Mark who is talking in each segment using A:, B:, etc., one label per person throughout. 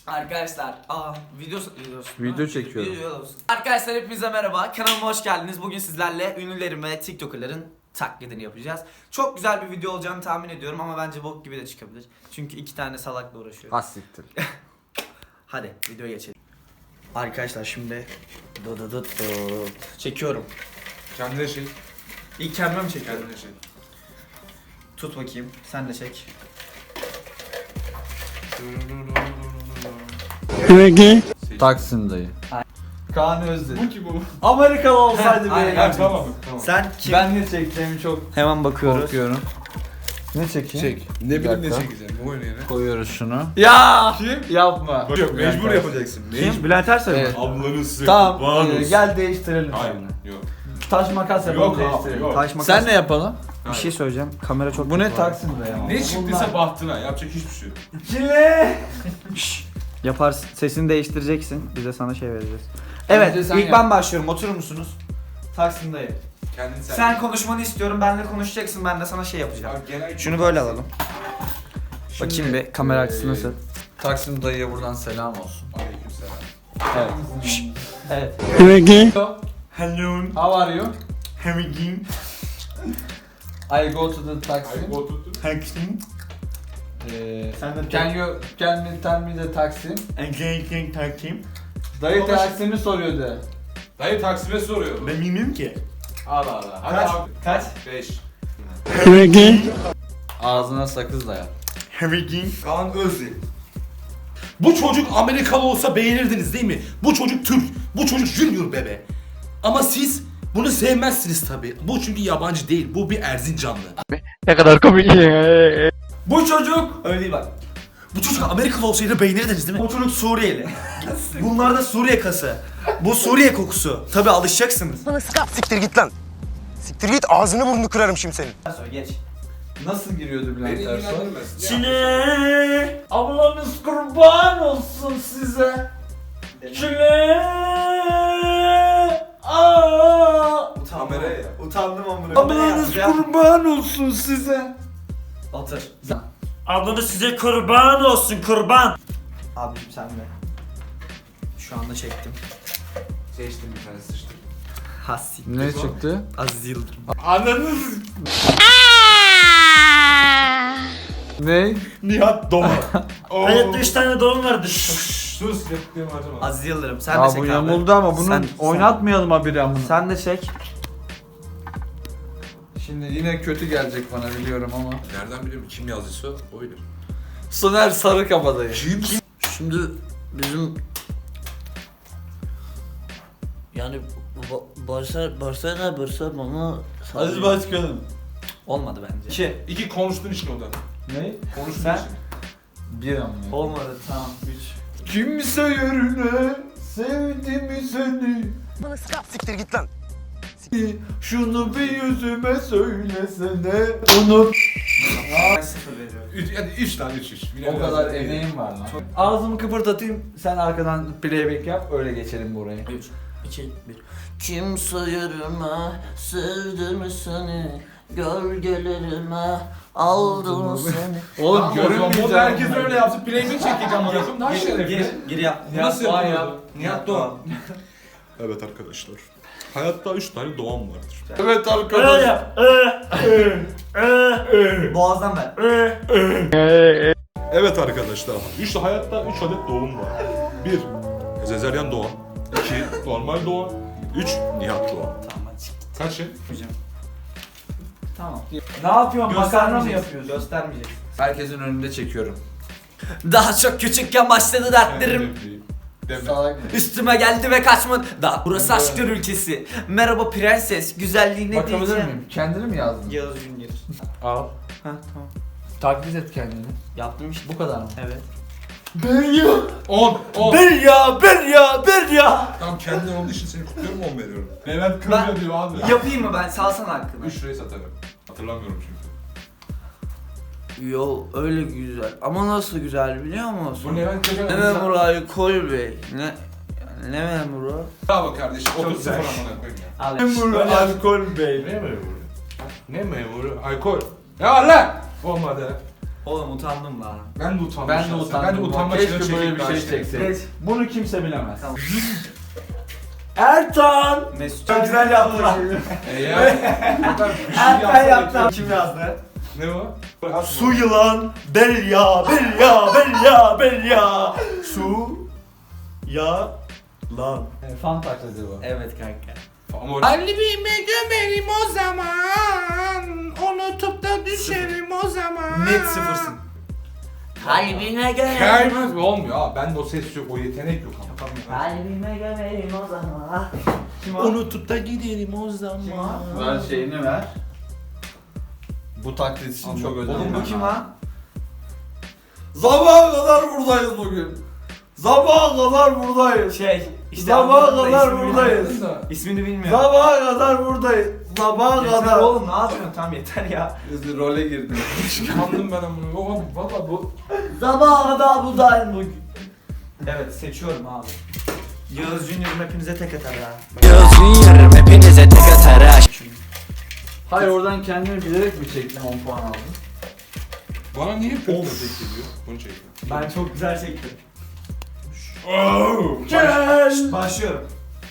A: Arkadaşlar,
B: Video çekiyorum.
A: Arkadaşlar hepinize merhaba. Kanalıma hoş geldiniz. Bugün sizlerle ünlülerin ve TikToker'ların taklidini yapacağız. Çok güzel bir video olacağını tahmin ediyorum ama bence bok gibi de çıkabilir. Çünkü iki tane salakla uğraşıyor.
B: Hassiktir.
A: Hadi videoya geçelim. Arkadaşlar şimdi çekiyorum.
C: Kendine şey.
A: İlk kendime mi çekiyorum?
C: Kendine şey.
A: Tut bakayım. Sen de çek.
B: Taksim dayı.
A: Kaan Özdil.
C: Bu ki bu.
A: Amerikalı olsaydı Aynen.
C: Ha, tamam.
A: Sen kim?
B: Ben ne çekeceğimi çok
A: Hemen bakıyoruz.
B: korkuyorum. Ne çekeyim?
C: Çek. Ne bileyim ne
B: dakika.
C: çekeceğim. Bu oyunu yine.
B: Koyuyoruz şunu.
A: Ya!
C: Kim?
B: Yapma.
C: Yok mecbur yapacaksın.
A: Kim? Bülent Ersoy mu?
B: Evet.
C: Ablanın sıkı.
B: Tamam, gel değiştirelim
C: Hayır.
B: seninle.
C: Yok.
B: Taş makas yapalım,
C: Yok abi,
B: değiştirelim.
C: yok.
A: Taş makas.
B: Sen ne yapalım?
A: Bir şey söyleyeceğim. Kamera çok
B: Bu ne
A: kötü var.
B: Taksim dayı ama.
C: Ne çıktıysa bahtına. Yapacak hiçbir şey yok.
B: Çile.
A: Yaparsın. Sesini değiştireceksin. Biz de sana şey vereceğiz.
B: Bence
A: Evet,
B: sen
A: ilk
B: yap.
A: ben başlıyorum. Oturur musunuz? Taksim'dayım.
C: Kendin
A: Sen konuşmanı istiyorum. Benle konuşacaksın. Ben de sana şey yapacağım.
C: Abi, genel
A: Şunu böyle alalım. Bakayım bir kamera açısı nasıl?
B: Taksim dayıya buradan selam olsun.
C: Aleykümselam.
B: Evet.
A: Evet.
B: Hello. How are you?
A: Having
B: I go to the Taksim.
C: Ay oturtun.
A: Taksim. Sen de
B: Can you tell me the Taksim?
A: Taksim.
B: Dayı
C: Konuş.
B: Taksim'i soruyordu.
C: Dayı Taksim'e soruyor.
A: Ben bilmiyorum ki.
C: Al al. Hadi
A: Kaç?
C: abi.
A: Kaç?
C: 5.
B: Ağzına sakız daya.
C: Kaan Özdil. Bu çocuk Amerikalı olsa beğenirdiniz değil mi? Bu çocuk Türk. Bu çocuk Junior bebe. Ama siz bunu sevmezsiniz tabi. Bu çünkü yabancı değil. Bu bir Erzincanlı.
A: Bu çocuk öyle değil bak.
C: Bu çocuk Amerikalı olsaydı beğenirdiniz değil mi?
A: O çocuk Suriyeli. Bunlar da Suriye kası. Bu Suriye kokusu. Tabi alışacaksınız.
D: Siktir git lan. Siktir git, ağzını burnunu kırarım şimdi senin.
A: Söyle geç.
B: Nasıl giriyordu Bülent
C: Beni
B: Ersoy?
C: ilgilendirmez.
B: Çile, ablanız kurban olsun size. Çile,
C: Kameraya.
A: Utandım amına.
B: ablanız kurban olsun size.
A: Otur.
E: Ablanız size kurban olsun kurban.
A: Abicim sen de. Şu anda çektim.
C: Seçtim bir tane sıçtım.
A: Hassi.
B: Ne çıktı?
A: Aziz Yıldırım.
C: Ananız.
B: Ne?
C: Nihat Doma.
E: Hayatta 3 tane doğum vardı.
C: Sus yaptığım harcama.
A: Aziz Yıldırım. Sen de
B: Aa
A: çek
B: bu
A: abi.
B: yamuldu ama bunu
A: Sen-
B: oynatmayalım haberi amına.
A: Sen de çek.
B: Şimdi yine kötü gelecek bana biliyorum ama.
C: Nereden biliyorum kim yazdıysa oydur.
B: Soner Sarıkabadayı.
C: Kim?
B: Şimdi bizim
E: Yani Barsa bana
B: Aziz Başkanım.
A: Olmadı bence. 2.
C: İki konuştuğun için odan.
B: Ne?
C: Konuştuğun
A: Sen?
C: için.
B: Bir amına.
A: Olmadı tamam. 3.
B: Kimse yerine sevdi mi seni?
D: Siktir git lan.
B: Şunu bir yüzüme söylesene. Unut.
A: Ben 0 veriyorum.
C: Yani 3 tane 3.
B: O kadar emeğim var lan. Ağzımı kıpırdatayım, sen arkadan playback yap, öyle geçelim buraya.
A: 3.
E: 2 1. Kimse yürüme sevdim seni gölgelerime aldım seni.
B: Oğlum
C: Görünmeyeceğim. Herkes öyle yapsın. Playback çekeceğim anasını. Daha şerefli.
A: Gir yap.
B: Nihat
C: Nasıl
B: Doğan
C: yapılıyor?
B: yap.
C: Nihat Doğan. Evet arkadaşlar. Hayatta 3 tane doğan vardır.
B: Evet
E: Öyle
B: arkadaşlar.
E: yap.
A: Boğazdan ver.
C: Evet arkadaşlar. Hayatta 3 adet doğum var. 1. Sezeryan doğan. 2. Normal doğan. 3. Nihat doğan.
A: Tamam hadi çık.
C: Kaç şey?
A: Hocam.
B: Tamam. Ne yapıyorsun? Makarna mı yapıyorsun?
A: Göstermeyeceksin.
B: Herkesin önünde çekiyorum.
A: Daha çok küçükken başladı dertlerim.
C: Deme.
B: Salak.
A: Üstüme geldi ve kaçmadı. Daha burası aşklar ülkesi. Merhaba prenses. Güzelliğine
B: Bakabilir
A: diyeceğim.
B: miyim? Kendini mi yazdın?
A: Yağız Junior.
B: Al.
A: Ha tamam.
B: Taklit et kendini.
A: Yaptım işte.
B: Bu kadar mı?
A: Evet.
C: 10.
A: Bir ya.
C: Tamam kendin olduğu için seni kutluyorum 10 veriyorum.
A: Ben-
C: Kırmıyor diyor abi.
A: Yapayım mı ben? Salsana hakkını.
C: 3 liraya satarım. Hatırlamıyorum çünkü.
A: Yo öyle güzel. Ama nasıl güzel biliyor musun?
C: Bu Levent Köşen
A: Ne memuru alkol bey? Ne memuru?
C: Bravo kardeşim.
A: Çok
C: 30
A: güzel.
C: sıfır amına koyayım ya.
A: Al.
C: Memuru
A: alkol bey.
C: Ne memuru? Ne memuru? Alkol. Ya lan! Olmadı.
A: Oğlum utandım lan.
C: Ben de utandım.
B: Ben de
C: şahsen.
B: utandım.
C: Ben de utanma
B: Keşke böyle bir şey
A: Geç.
B: çekseydim. Bunu kimse bilemez.
A: Tamam.
B: Ertan!
A: Mesut çok güzel yaptı lan.
C: Ertan
A: yaptı. Kim yazdı?
C: Ne o?
E: Su yılan belya belya belya belya. Su ya lan.
B: Fan taklidi bu.
A: Evet kanka.
C: Kalbime gömerim o zaman, unutup da düşerim o zaman.
A: Net sıfırsın. Kalbine
C: Gelmez mi? Olmuyor abi. Bende o ses yok, o yetenek yok ama.
A: Kalbime gömerim o zaman. Kim o?
C: Unutup da giderim o zaman.
A: Kim o?
B: Ver şeyini ver. Bu taklit için çok özel.
A: Oğlum bu kim lan?
B: Sabaha kadar buradayız bugün. Sabaha kadar buradayız.
A: İşte
B: Sabaha
A: anladım da
B: kadar
A: ismini
B: buradayız.
A: bilmiyorum. İsmini bilmiyorum.
B: Sabaha kadar buradayız. Sabaha
A: Yeter
B: kadar.
A: oğlum ne yapıyorsun? Tamam yeter ya.
B: Role girdim.
C: Kandım ben amına. Oğlum valla bu.
A: Sabaha kadar buradayım bugün. Evet seçiyorum abi. Yağız Junior'ım hepinize tek atar ha.
F: Yağız Junior'ım hepinize tek atar ha.
B: Hayır oradan kendini bilerek mi çektin 10 puan aldın?
C: Bana niye
A: Of.
C: kötü geliyor? Bunu çektim.
A: Ben çok güzel çektim.
B: Gel!
A: Başlıyorum.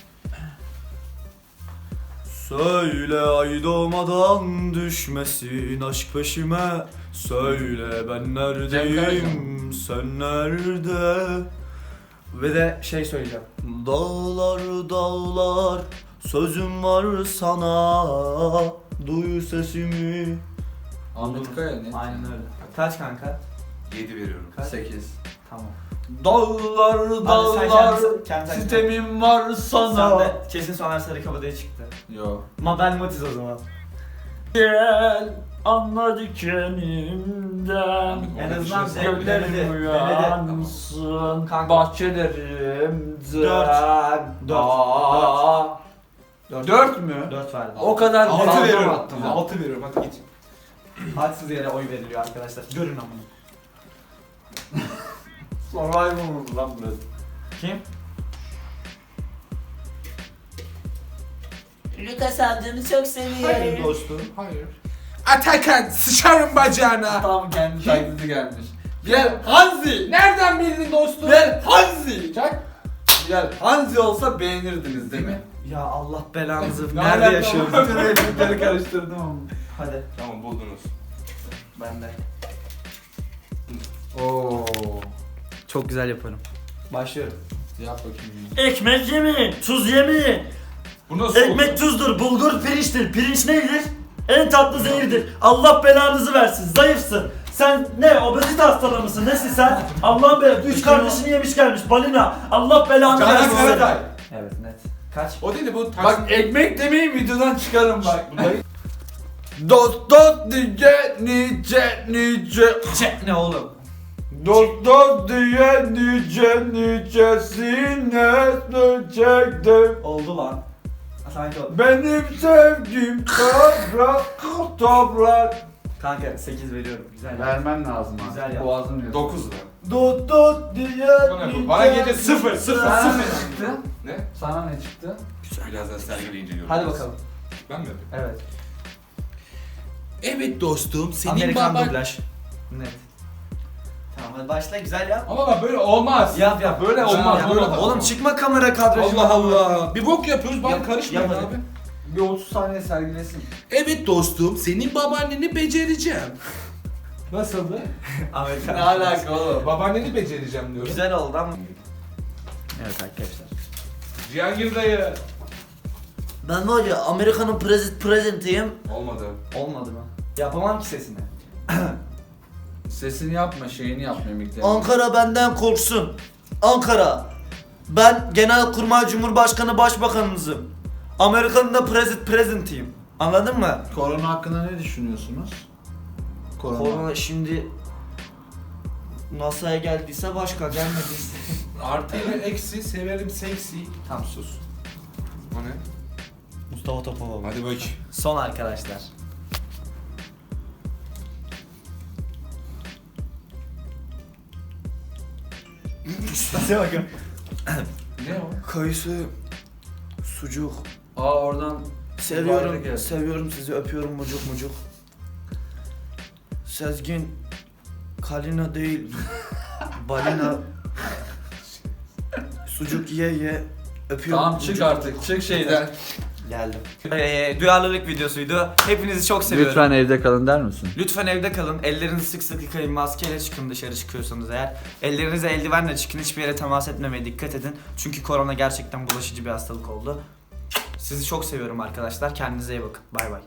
A: Söyle ay doğmadan düşmesin aşk peşime. Söyle ben neredeyim sen nerede? Ve de şey söyleyeceğim. Dağlar dağlar sözüm var sana. Duy sesimi.
B: Ahmet Kaya ne?
A: Aynen öyle. Kaç kanka?
C: 7 veriyorum.
B: 8.
A: Tamam.
B: Dağlar
A: Hadi sen
B: dağlar
A: kendin-
B: sitemim var
A: Sen
B: sana.
A: de kesin Soner Sarıkabadayı çıktı.
B: Yo.
A: Mabel Matiz o zaman.
E: Gel anla dikenimden.
A: En azından
C: Şey-
A: denedi.
E: Göllerim uyansın
A: Kanka.
E: bahçelerimden.
A: Dört.
B: 4 mü?
A: 4 verdim.
B: O kadar
C: 6
B: fazla
C: veriyorum.
B: attım.
C: 6 veriyorum, hadi git.
A: Haksız yere oy veriliyor arkadaşlar. Görün amına.
B: Survival mı lan burası?
A: Kim?
F: Lucas amcanı çok seviyorum.
A: dostum.
C: Hayır. Atakan sıçarım bacağına.
B: Tam kendi taklidi gelmiş. Gel Hanzi!
C: Nereden bildin dostum?
B: Gel Hanzi!
C: Çak.
B: Gel Hanzi olsa beğenirdiniz değil mi?
A: Ya Allah belanızı.
C: Ne
A: Nerede
C: alaka
A: yaşıyoruz?
C: oğlum?
B: Bütün replikleri karıştırdım ama.
A: Hadi.
C: Tamam buldunuz.
A: Ben de.
B: Oo.
A: Çok güzel yaparım. Başlıyorum.
B: Yap bakayım.
E: Ekmek yemeyin, tuz yemeyin.
C: Bu nasıl
E: Ekmek tuzdur, bulgur pirinçtir. Pirinç neydir? En tatlı zehirdir. Allah belanızı versin, zayıfsın. Sen ne, obezite hastalığı mısın? Nesin sen? Allah'ın belası. 3 kardeşini yemiş gelmiş, balina. Allah belanı
C: Canan
E: versin seni.
C: Karatay.
A: Evet net. Kaç?
C: O değil de bu
B: Bak ekmek demeyin videodan çıkarım bak. Dost dost diye nice nice.
A: Ne oğlum?
B: Dost dost diye nice nicesine çektim.
A: Oldu lan. Sanki oldu.
B: Benim sevdiğim toprak toprak.
A: Kanka 8 veriyorum. Güzel. yap.
B: Vermen lazım abi.
A: Güzel yap.
B: Boğazım diyor.
C: 9 lira.
B: Dost dost diye
C: Bana gece 0 0
B: Sana
C: 0.
B: ne çıktı?
C: Ne?
B: Sana ne çıktı?
C: Birazdan sergileyince görürüz.
A: Hadi bakalım.
C: Ben mi yapayım?
A: Evet.
C: Evet dostum, senin
A: Amerikan
C: baban...
A: dublaj. Net. Tamam hadi başla güzel yap.
C: Ama bak böyle olmaz.
A: Yap yap.
C: Böyle olmaz.
A: Yap.
C: Böyle
A: Oğlum
C: olmaz.
A: çıkma kamera kadrajı.
C: Allah Allah. Bir bok yapıyoruz, bana
A: Yap-
C: karışmayın
A: yap hadi.
C: abi.
B: Bir 30 saniye sergilesin.
C: Evet dostum, senin babaanneni becereceğim. Nasıldı?
A: Amerikan.
B: Ne alaka oğlum?
C: Babaanneni becereceğim diyorum.
A: Güzel oldu ama. Evet arkadaşlar.
C: Cihangir dayı.
A: Ben var ya Amerika'nın prezentiyim.
C: Olmadı.
A: Olmadı mı? Yapamam ki sesini.
B: Sesini yapma, şeyini yap mimiklerini.
A: Ankara benden korksun. Ankara. Ben Genelkurmay Cumhurbaşkanı Başbakanınızım. Amerika'nın da prezentiyim. Anladın mı?
B: Korona hakkında ne düşünüyorsunuz?
A: Korona şimdi NASA'ya geldiyse başka gelmediyse.
C: Artı ile eksi, severim seksi.
A: Tam sus.
C: O ne?
A: Mustafa Topaloğlu.
C: Hadi bak.
A: Son arkadaşlar. Nasıl bakın?
C: Ne o?
A: Kayısı, sucuk.
B: Aa oradan
A: Seviyorum,
B: geldi.
A: seviyorum sizi, öpüyorum mucuk mucuk. Sezgin, Kalina değil. Balina. Sucuk ye. Öpüyorum.
B: Tamam çık artık. Çık şeyden.
A: Geldim. Duyarlılık videosuydu. Hepinizi çok seviyorum.
B: Lütfen evde kalın der misin?
A: Lütfen evde kalın. Ellerinizi sık sık yıkayın. Maskeyle çıkın dışarı çıkıyorsanız eğer. Ellerinize eldivenle çıkın. Hiçbir yere temas etmemeye dikkat edin. Çünkü korona gerçekten bulaşıcı bir hastalık oldu. Sizi çok seviyorum arkadaşlar. Kendinize iyi bakın. Bay bay.